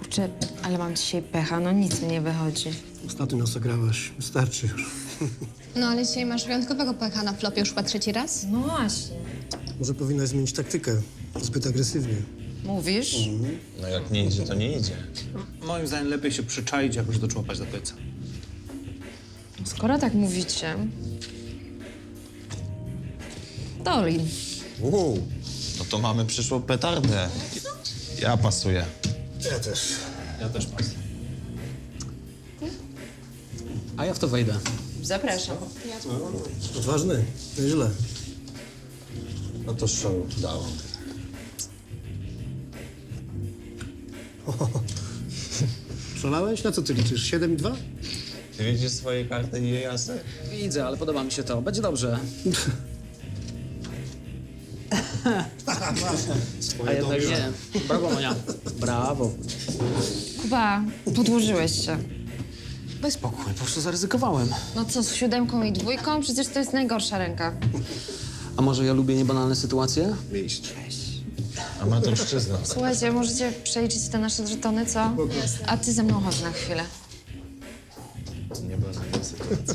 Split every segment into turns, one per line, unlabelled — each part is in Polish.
Kurczę, ale mam dzisiaj pecha, no nic mi nie wychodzi.
Ostatnio nas ograłaś. Wystarczy już.
No ale dzisiaj masz wyjątkowego pecha na flopie już chyba trzeci raz.
No właśnie.
Może powinnaś zmienić taktykę. Zbyt agresywnie.
Mówisz?
No jak nie idzie, to nie idzie.
Moim zdaniem lepiej się przyczaić, jakoś doczłapać do końca.
Skoro tak mówicie... Dolin.
No to mamy przyszłą petardę. Ja pasuję.
Ja też.
Ja też pas.
A ja w to wejdę.
Zapraszam.
Odważny. Nieźle.
No to show dało.
Szalałeś? Na co ty liczysz? 7 i 2?
Ty widzisz swoje karty i je jasne?
Widzę, ale podoba mi się to. Będzie dobrze. A jednak nie. Brawo, Monia. Brawo.
Kuba, podłożyłeś się.
Daj spokój, po prostu zaryzykowałem.
No co, z 7 i 2? Przecież to jest najgorsza ręka.
A może ja lubię niebanalne sytuacje?
Amatorszczyzna.
Słuchajcie, możecie przeliczyć te nasze żetony, co? A ty ze mną chodź na chwilę.
Nie banalna sytuacja.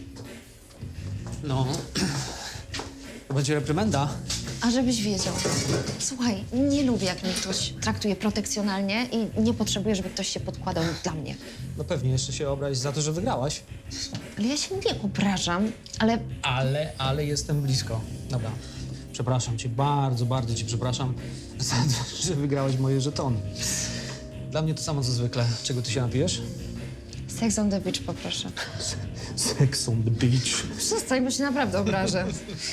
No. To będzie reprymenda.
A żebyś wiedział. Słuchaj, nie lubię, jak mnie ktoś traktuje protekcjonalnie i nie potrzebuję, żeby ktoś się podkładał dla mnie.
No pewnie jeszcze się obrazić za to, że wygrałaś.
Ale ja się nie obrażam, ale
Ale jestem blisko. Dobra. Przepraszam cię, bardzo, bardzo cię przepraszam za to, że wygrałeś moje żetony. Dla mnie to samo co zwykle. Czego ty się napijesz?
sex on the beach poproszę.
Sex on the beach.
Przestań, bo się naprawdę obrażę.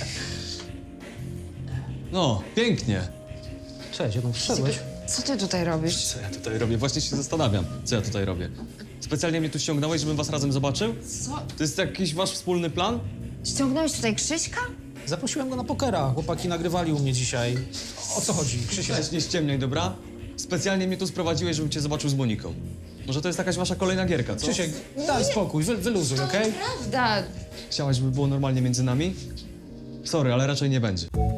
No, pięknie.
Cześć, jak przyszedłeś?
Co ty tutaj robisz?
Co ja tutaj robię? Właśnie się zastanawiam, co ja tutaj robię. Specjalnie mnie tu ściągnąłeś, żebym was razem zobaczył?
Co?
To jest jakiś wasz wspólny plan?
Ściągnąłeś tutaj Krzyśka?
Zaprosiłem go na pokera. Chłopaki nagrywali u mnie dzisiaj. O co chodzi, Krzysiek?
Weź, nie ściemniaj, dobra? Specjalnie mnie tu sprowadziłeś, żebym cię zobaczył z Moniką. Może to jest jakaś wasza kolejna gierka, co?
Krzysiek, daj spokój, wyluzuj, okej?
Prawda.
Chciałaś, żeby było normalnie między nami? Sorry, ale raczej nie będzie.